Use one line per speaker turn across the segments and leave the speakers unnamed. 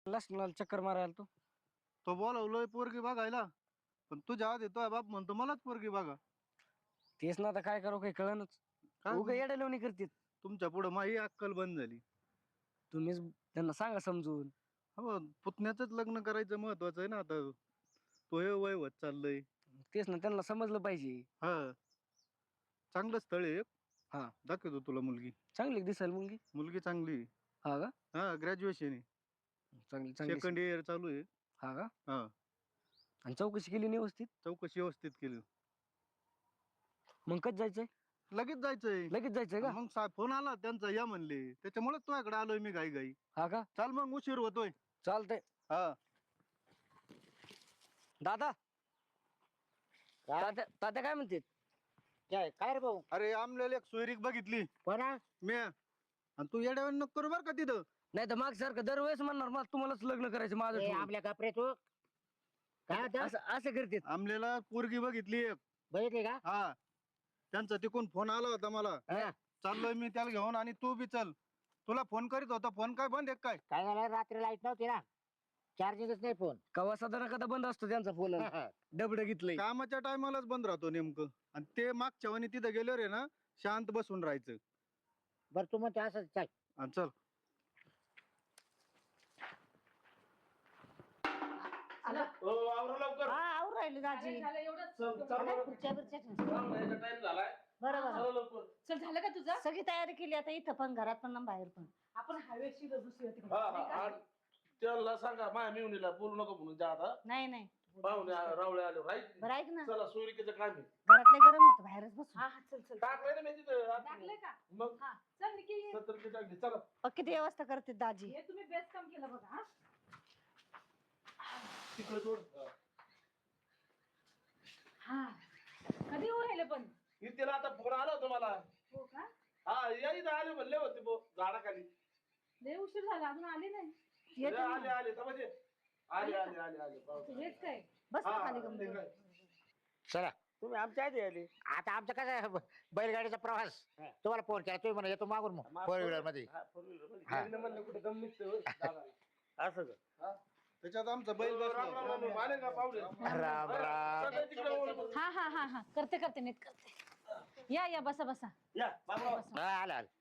चक्कर मारायला तू.
तो बोलावलोय पोरगी बघायला, पण तुझ्या आधी तो बाप म्हणतो मलाच पोरगी बघा.
तेच ना, आता काय करू काही कळनच.
काय
उगा येड्या लावणी करतात.
तुमच्या पुढे माझी अक्कल बंद झाली.
तुम्हीच त्यांना सांगा समजून.
हो, पुतण्याच लग्न करायचं महत्वाचं आहे ना आता. तो हे वय होत चाललंय.
तेच ना, त्यांना समजलं पाहिजे.
हा, चांगलं स्थळ आहे एक.
हा.
दाखवतो तुला मुलगी.
चांगली दिसायला मुलगी.
मुलगी चांगली आहे.
हा का?
हा, ग्रॅज्युएशन आहे.
चांगली चांगली.
सेकंड इयर चालू आहे.
हा का?
हा,
आणि चौकशी केली नाही व्यवस्थित?
चौकशी व्यवस्थित केली.
मग कधी जायचंय?
लगेच जायचंय.
लगेच जायचंय का?
मग फोन आला त्यांचा, या म्हणले, त्याच्यामुळे तुझ्याकडे आलोय मी घाई घाई.
हा का?
चाल मग, उशीर होतोय.
चालतंय.
हा.
दादा, तात्या तात्या काय म्हणते?
काय काय रे भाऊ?
अरे, आमल्याला एक सोयरीक बघितली
कोणा?
मी, आणि तू येड्यावर नको करू बर का तिथं.
नाही तर माग सारखं दरवेळेस म्हणणार मला तुम्हालाच लग्न करायचं माझं
ए,
ठेवून.
आपल्या कपडे तू काय होतं?
असं असं करतात.
आमल्याला पोरगी बघितली एक.
बघितली का?
हा, त्यांचा तिकून फोन आला होता मला.
हा.
चाललोय मी त्याला घेऊन, आणि तू बी चल. तुला फोन करीत होता, फोन काय बंद आहे काय?
काय झालं, रात्री लाईट नव्हती ना, चार्जिंगच नाही फोन.
कवा साधारण कदा बंद असतो त्यांचा फोन. डबड घेतलंय.
कामाच्या टायमालाच बंद राहतो नेमकं. आणि ते मागच्या वाणी तिथं गेलो रे ना, शांत बसून राहायचं.
बरं तू म्हणते असं चल.
आणि चल.
हा, आवरून राहिली दाजी. खुर्च्या बिर्च्या ठेव. बरोबर.
चल, झालं का तुझं?
सगळी तयारी केली आता, इथं पण घरात पण आणि बाहेर पण.
आपण हायवेची दुसरी होती नाही का?
त्याला सांगा माया मिवणीला बोलू नको म्हणून जा आता.
नाही नाही,
पाहुणे रावळे आले राईट.
बरं ऐक ना,
चला सोयरिकेचं काम आहे.
घरातले गरम होतं, बाहेरच बसू.
हा हा, चल चल.
टाकलंय ना मी तिथं
टाकलंय का?
मग
हा, चल निकी ये.
70 टाकली. चला
किती व्यवस्था करते दाजी.
हे तुम्ही बेस्ट काम केलं बघा. हा?
तिकडे सोड.
हा, कधी येऊ राहिले पण?
इथेला आता फोन आला होता मला.
हो का?
हा, या इथं आले म्हणले होते झाडाखाली.
लय उशीर झाला, अजून आले नाही.
येते ना.
आले आले तर म्हणजे आले आले आले आले.
हेच काय?
बस ना
हा,
खाली
ते
गंमत.
काय.
चला,
तुम्ही आमच्या आधी आले.
आता आमचं कसं बैलगाडीचा प्रवास, तुम्हाला फोन केला, तुम्ही म्हणा येतो मागून मग फोर व्हीलर मध्ये.
हा, four wheeler मध्ये.
हा.
लग्न म्हणलं कुठे दम निघतोय होय, दादा. असं का?
त्याच्यात आमचा बैल
राम राम
बसला.
राम राम. आले का पाहुणे?
राम राम.
चला तिकडे बोलू.
हा हा हा हा, करते करते नीट करते. या या, बसा बसा.
या बाबराव.
हा, आला आला.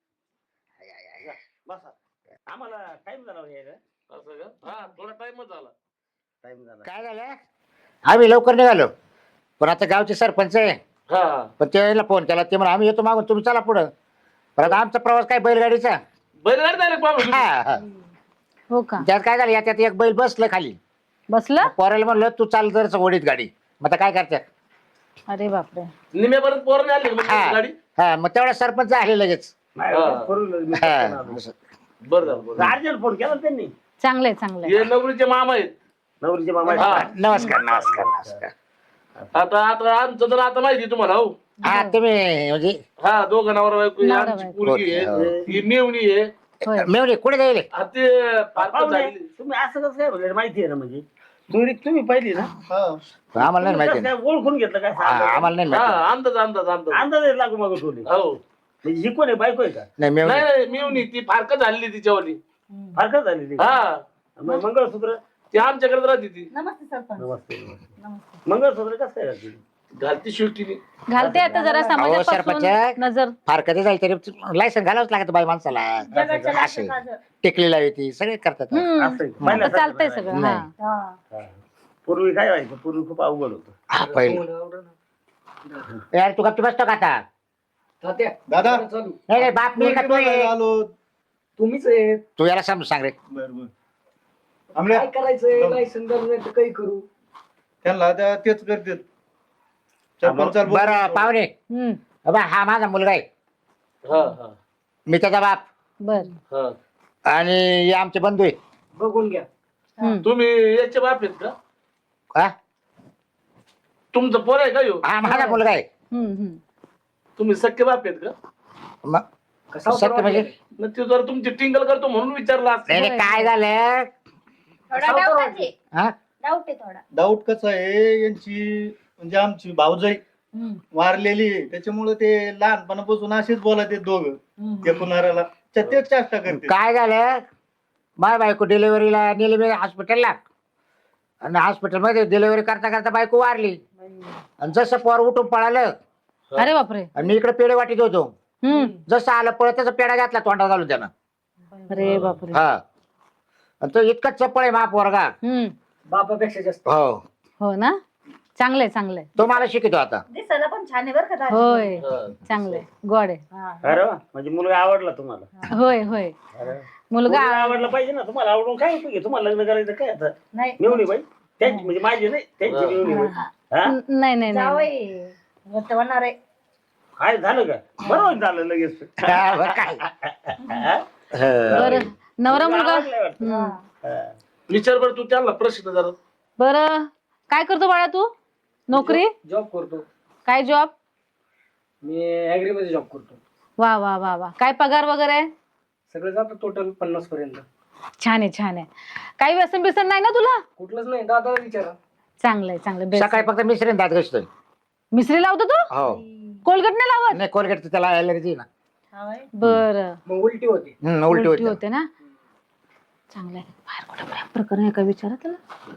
या, बसा.
आम्हाला टाइम झाला यायला.
असं का? हा, थोडा टाइमच झाला.
टाइम झाला.
काय झालं, आम्ही लवकर निघालो, पण आता गावचे सरपंच आहे,
हा,
पण त्याला फोन केला, ते म्हणा आम्ही येतो मागून, तुम्ही चला पुढं. पण आता आमचा प्रवास काय बैलगाडीचा.
बैलगाडी डायरेक्ट पाहुणे.
हा, हा.
हो का?
त्यात काय झालं, याच्यात एक बैल बसलं खाली,
बसलं?
पोराला म्हणलं तू चाल जर ओढीत गाडी. मग आता काय करतात.
अरे बापरे.
निम्यापर्यंत पोरं आले का
हा.
मग गाडी?
हा, मग तेवढा सरपंच आले लगेच.
नाही,
हा.
four wheeler मी
हा,
करताना आलो.
असं.
बरं झालं, बरं झालं.
अर्जंट फोन केला ना त्यांनी.
चांगलंय चांगलंय.
हे नवरीचे मामा आहेत.
नवरीचे मामा.
हा.
नमस्कार नमस्कार नमस्कार.
आता आता आमचं तर आता माहिती तुम्हाला हो.
हा, तुम्ही म्हणजे
हा, दोघं नवरा बायको आहे,
नवरा
आमची
बायको.
पोरगी
हो.
आहे, ही मेवणी आहे.
होय.
मेवणे कुठे जाईल.
आ, ते फारकत
पाहुणे,
झाली.
तुम्ही असं कसं काय बोलले, माहिती आहे ना म्हणजे दुरीक तुम्ही पहिली ना.
आम्हाला नाही
तुम्ही
माहिती.
कसं काय ओळखून घेतलं काय
हा, आम्हाला नाही
हा,
माहिती.
अंदाज अंदाज अंदाज.
अंदाज लागू मागू ठेवली.
हो.
म्हणजे ही कोण आहे, बायको आहे का?
नाही मेवणे.
नाही नाही, मेवणी ती फारकत झालेली तिच्यावाली.
फारकत झालेली.
हा,
मग मंगळसूत्र.
ती आमच्याकडे राहते ती.
नमस्ते सरपंच.
नमस्ते.
नमस्ते.
मंगळसूत्र कसं काय घातली?
घालती शिवटीने.
घालते आता जरा
सरपंच.
समाजापासून नजर.
फार कधी जाईल तरी लायसन घालावंच लागतं बाई माणसाला. असे टिकली लावी ती सगळे करतात.
असं आहे का?
आता
पहिल्यासारखं
चालतंय
नाही.
सगळं.
नाही.
हा.
हा. पूर्वी काय व्हायचं, पूर्वी खूप अवघड होतं.
हा, पहिले यार तू गप्प बसतो का आता.
दादा,
चालू.
नाही नाही, बाप मी का तू आहे?
आलो.
तुम्हीच आहे.
तू याला समजून सांग रे.
बर बर. आमल्या
काय करायचंय, लायसन नाही तर काही करू.
त्यांना आता तेच करतात. सरपंचाला बोल.
बरं पाहुणे,
हम्म.
बाबा हा माझा मुलगा आहे,
हा हा
मी त्याचा बाप,
बर.
हा.
आणि हे आमचे बंधू आहे.
बघून घ्या.
तुम्ही याचे बाप आहेत का?
हा?
तुमचं पोर आहे का ह्यो?
हा माझा मुलगा आहे.
तुम्ही सख्खे बाप आहेत का?
मग सत्य म्हणजे
मग ते जर तुमची टिंगल करतो म्हणून विचारला असतं.
नाही नाही, काय झालं. हा?
डाऊट कसा आहे, यांची म्हणजे आमची भाऊजाई वारलेली आहे, त्याच्यामुळे ते लहानपणापासून असेच बोलत आहेत दोघं. एकूणाऱ्याला तेच चेष्टा करते.
काय झालं, माय बायको डिलिव्हरीला नेली मी हॉस्पिटलला, आणि हॉस्पिटलमध्ये डिलिव्हरी करता करता बायको वारली. आणि जसं पोर उठून पळालं
अरे बापरे.
आणि मी इकडे पेढे वाटीत होतो.
हम्म.
जसं आलं पळत तसं पेढा घातला तोंडात घालून त्यानं.
अरे बापरे.
हा, आणि तो इतका चप्पळ आहे मा पोरगा.
हम्म.
बापापेक्षा जास्त.
हो,
हो ना, चांगलंय चांगलंय.
तो मला शिकतो आता.
दिसायला पण छान आहे बरं का दाजी.
होय, चांगलंय, गोड आहे.
हा.
अरे वा, म्हणजे मुलगा आवडला तुम्हाला.
होय होय.
अरे,
मुलगा
मुलगा आवडला पाहिजे ना. तुम्हाला आवडून काय उपयोग आहे? तुम्हाला लग्न करायचं काय आता?
नाही
मिळवणी बाई त्यांची, म्हणजे माझी नाही त्यांची मिळवणी बाई. हा?
नाही नाही नाही.
जावई घट्ट होणार आहे.
काय झालं का? बरोबर झालं लगेच.
हा, बरं काय.
हा?
बरं, नवरा मुलगा.
आवडलाय वाटतं.
हम्म.
हा.
विचार बरं तू त्यांना प्रश्न जरा.
बरं, काय करतो बाळा तू? नोकरी?
जॉब करतो
काय जॉब?
मी ऍग्री मध्ये जॉब करतो.
वा वा वा वा. काय पगार वगैरे?
सगळं जातं टोटल 50 पर्यंत.
छान आहे छान आहे. काही व्यसन बिसन नाही ना तुला?
कुठलंच नाही, दादाला विचारा.
चांगलंय चांगलं. best.
सकाळी फक्त मिसरीन दात घसतोय.
मिसरी लावतो तू?
हो,
कोलगेट नाही लावत?
नाही कोलगेट त्याला ॲलर्जी ना.
हा बाई.
बरं.
मग उलटी होती.
उलटी
उलटी
होते.
होते ना. चांगलंय. बाहेर कुठं प्रेम प्रकरण आहे का विचारा त्याला.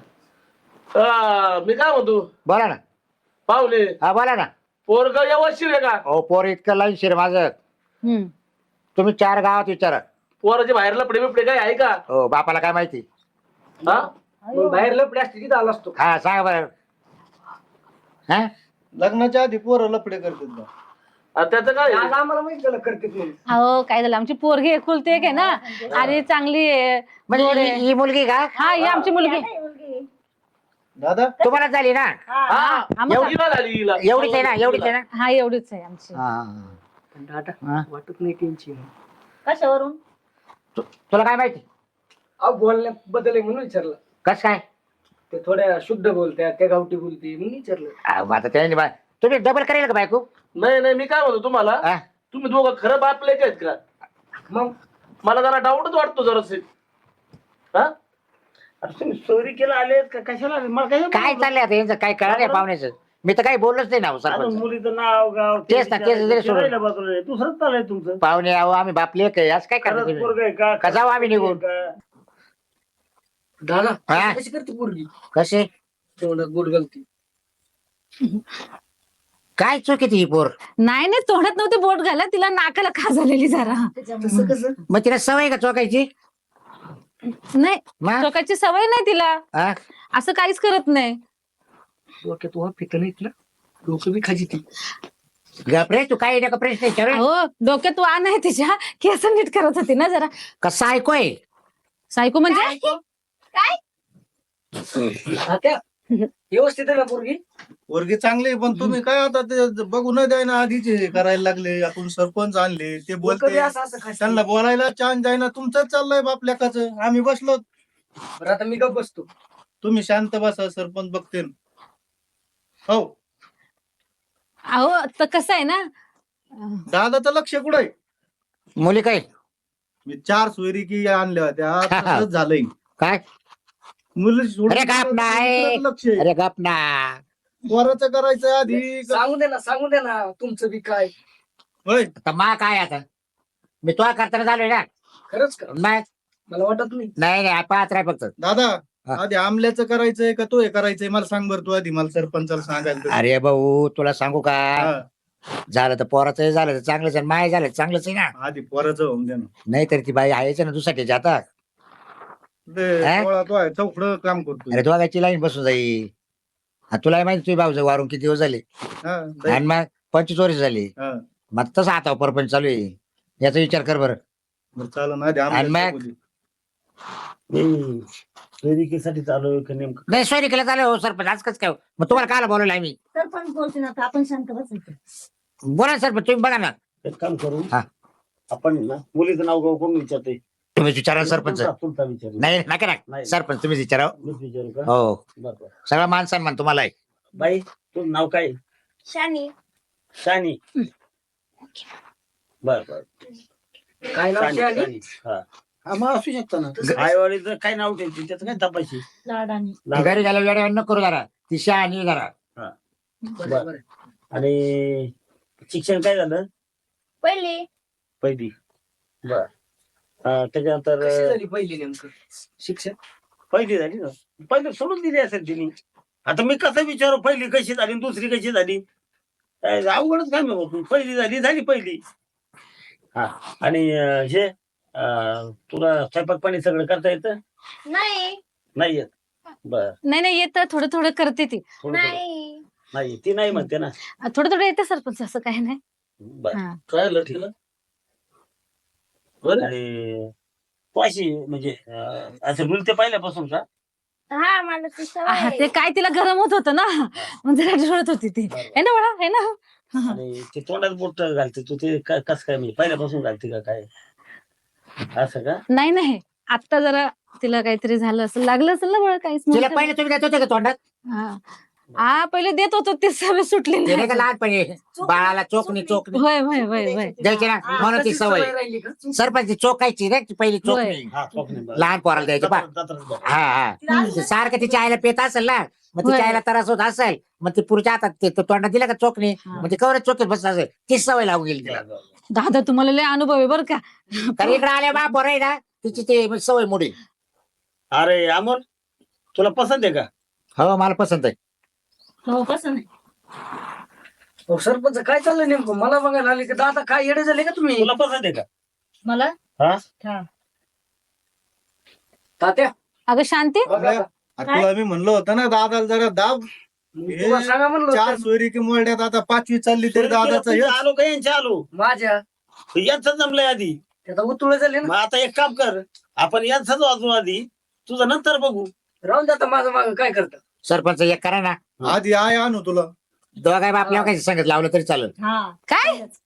मी काय म्हणतो
बोला ना.
पाहुले,
हा बोला ना.
पोरग व्यवस्थित आहे का?
हो, पोर इतकं लाईन शिर माझं.
हम्म.
तुम्ही 4 गावात विचारा.
पोराचे बाहेर लपडे बिपडे काय आहे का?
हो, बापाला काय माहिती.
हा?
मग बाहेर लपडे असते तिथं आला असतो.
हा, सांगा बरं. हा,
लग्नाच्या आधी पोरं लफडे करतात बा.
आणि त्याचं काय?
आज आम्हाला माहित झालं करतेत म्हणून.
अहो काय झालं, आमची पोरगी एकुलती एक आहे ना, आणि चांगली आहे.
म्हणजे
गोड आहे.
ही मुलगी का
हा, ही आमची मुलगी.
नाही, मुलगी.
दादा
तुम्हाला झाली ना?
हा.
हा,
आम्हाला-
एवढी ना झाली हिला.
एवढीच आहे ना? एवढीच आहे ना?
हा, एवढीच आहे आमची.
हा.
पण दादा
हा.
वाटत नाही टेन्शन.
कशावरून?
तुला काय माहिती?
अहो बोलण्यात बदल आहे म्हणून विचारलं.
कस काय?
ते थोड्या शुद्ध बोलत्या, त्या गावठी बोलते म्हणून विचारलं.
आता त्याने तुम्ही डबल करेल का बायको?
नाही नाही, मी काय म्हणतो तुम्हाला,
हा?
तुम्ही दोघं खरं बापले आहेत का?
मग
मला जरा डाऊटच वाटतो जरासे. हा?
अरे तुम्ही चोरी केला आलेत का कशाला आले? मला
काय चाललंय आता यांचं? काय कळणार नाही पाहुण्याचं. मी तर काही बोललोच नाही ना हो,
अजून
सरपंच.
मुलीचं नाव गाव
तेच ना, तेच जरी सोडून.
राहिलं बाजूला. दुसरंच चाललंय तुमचं.
पाहुणे आहो, आम्ही बापले काय असं काय करता
खरंच
तुम्ही?
पोरगं आहे का?
का जाऊ आम्ही निघून?
का?
दादा
हा?
कशी करते पोरगी?
कसे
तेवढं बोट घालती.
काय चुकी ती पोर?
नाही नाही, तोंडात नव्हती बोट घाला, तिला नाकाला खा झालेली जरा.
तसं कसं?
मग तिला सवय का चोकायची?
नाही,
मग?
चोकाची सवय नाही तिला.
हा?
असं काहीच करत नाही.
डोक्यात वा फिकं नाहीत ना, डोकं बी खाजी ती.
गपरे, तू काय नका प्रश्न विचारू.
हो, डोक्यात वाण आहे तिच्या, केस नीट करत होती ना जरा.
कसं ऐकूय?
सायको म्हणजे
त्या व्यवस्थित आहे ना पोरगी?
पोरगी चांगली आहे, पण तुम्ही काय आता ते बघू न द्यायना आधीच हे करायला लागले. आपण सरपंच आणले, ते
डोकं
बोलते
बी असं असं खाजी.
त्यांना बोलायला चान्स द्यायना. तुमचंच चाललंय बाप लेकाचं. आम्ही बसलो.
बरं आता मी गप बसतो.
तुम्ही शांत बसा, सरपंच बघते ना. हो,
अहो तर कसं आहे ना,
दादाचं लक्ष कुठं आहे?
मुली काय?
मी 4 सोयरी की आणल्या होत्या, तसंच झालंय.
काय?
मुलं सोडून
अरे गप नाही.
दुसऱ्याचं लक्ष आहे.
अरे गप ना.
पोराचं करायचं आधी.
सांगू दे ना तुमचं बी काय.
होय,
आता मा काय आता? मी तो करताना झालोय ना.
खरंच का?
नाही
मला वाटत नाही.
नाही, पाच राय फक्त.
दादा
हा.
आधी आमल्याचं करायचंय का तो हे करायचंय? मला सांग बरं तू आधी. मला सरपंचाला सांगायला.
अरे भाऊ, तुला सांगू का?
हा,
झालं तर पोराचं झालं तर चांगलंच आहे, माय झालं तर चांगलंच आहे ना.
आधी पोराचं होऊन दे ना.
नाही तर ती बाई आहेच ना दुसऱ्याच्या आता.
ते
हा?
पोळा तो आहे, चौकडं काम करतो.
अरे दोघांची लाईन बसून जाईल. हा, तुला माहिती तुझी भाऊ वारून किती दिवस झाले,
हा,
आणि मग 25 वर्ष झाली.
हा.
मग तसं आता परपंच चालू आहे. याचा विचार कर बरं.
बरं चालेल ना, आधी
आणि
आमल्याचं
मग?
बघू दे.
चोरीकीसाठी चालू आहे का नेमकं?
नाही, सोयरी केलं चालेल हो सरपंच. आज कसं काय हो? मग तुम्हाला कायला बोलवलं आम्ही?
सरपंच बोलते ना, आता आपण शांत बसायचं.
बोला सरपंच, तुम्ही बघा ना.
एक काम करू,
हा.
आपण ना मुलीचं नाव गाव कोण विचारते?
तुम्ही विचारा सरपंच.
तुमचा विचार.
नाही नका ना
नाही.
सरपंच, तुम्हीच विचारा.
मीच विचारू का?
हो,
बरं बरं.
सगळा मान सन्मान तुम्हाला आहे.
बाई तुझं नाव काय?
शानी.
शानी. बर बर.
काय नाव
शानी,
शानी?
शानी. हा, मग असू शकतं ना. आईवाडीचं काय नाव ठेवते त्याचं काय तपाशी?
लाडानी.
घरी गेल्या वेळेवर न करू जरा. ती शहाणी जरा.
बरं, बरं.
आणि शिक्षण काय झालं?
पहिली.
पहिली. बर. त्याच्यानंतर
कशी झाली पहिली नेमकं शिक्षण?
पहिली झाली ना, पहिली सोडून दिली असेल तिने. आता मी कसं विचारू पहिली कशी झाली आणि दुसरी कशी झाली? अवघडच काम आहे बाबा. पहिली झाली पहिली. हा आणि हे तुला स्वयंपाक पाणी सगळं करता येतं?
नाही
नाही येत. बर,
नाही येतं, थोडं थोडं करते ती.
थोडं
नाही
नाही, ती नाही म्हणते ना.
थोडं थोडं येतं सरपंच, असं काही नाही.
बर.
हा.
काय आलं तिला? बरं
आणि तू अशी म्हणजे असं डुलते पहिल्यापासून का?
हा मला ती सवय
हा,
आहे.
ते काय तिला गरम होत होतं ना, म्हणजे रडत होती ती. है ना बाळा, है ना?
आणि ते तोंडात बोट घालते तू, ते कसं काय म्हणजे पहिल्यापासून घालते का काय असं का?
नाही आता जरा तिला काहीतरी झालं असेल, लागलं असेल ना बाळा काहीच
तिला
मोठं.
पहिले तुम्ही देत होते का तोंडात?
हा पहिले देत होतो, ते सवय सुटली
ते नाही का
नाही.
लहानपणी बाळाला चोकणी
होय होय होय होय.
द्यायची ना,
हा,
म्हणून ती
तशीच
सवय.
राहिली का?
सरपंच ती चोकायची रे, ती पहिली चोकणी
हा, स्वप्ने बरं.
लहान पोराला द्यायची पा.
जत्रात बघ.
हा हा ते सारखं तिच्या आईला पेत असेल ना, मग तिच्या
होय.
आईला त्रास होत असेल, मग ती पुढच्या हातात ते तोंडात दिला का चोकणी,
हा.
मग ती कवरच चोकीत बसत असेल, ती सवय लागून गेली तिला.
दादा तुम्हाला लय अनुभव आहे बरं का.
कारण इकडे आल्या बा पोरं आहे ना, तिची ते सवय मोडी.
अरे अमोल, तुला पसंत आहे का?
हो मला पसंत आहे.
हो कसं नाही
हो सरपंच काय चाललंय नेमकं? मला बघायला आले की दादा काय येडे झाले का तुम्ही?
तुला पसंत आहे का?
मला
हा?
तात्या
अगं शांती,
बघा का?
तुला मी म्हणलं होतं ना दादाला जरा दाब.
तुम्हाला सांगा म्हणलं
चार
होतं.
सोयरी की मोरड्यात आता 5वी चालली तरी दादाचं
तुझं
हेच.
आलो का यांच्या आलो?
माझ्या
यांचं जमलंय आधी.
त्याचा उतुळे झाले
मग
ना.
आता एक काम कर, आपण यांचाच वाजू आधी, तुझं नंतर बघू.
राहून जाता माझं माग काय करता?
सरपंच एक करा ना,
आधी आय आणू तुला.
दोघाय बापल्या काही सांगत लावलं तरी चालेल.
हा
काय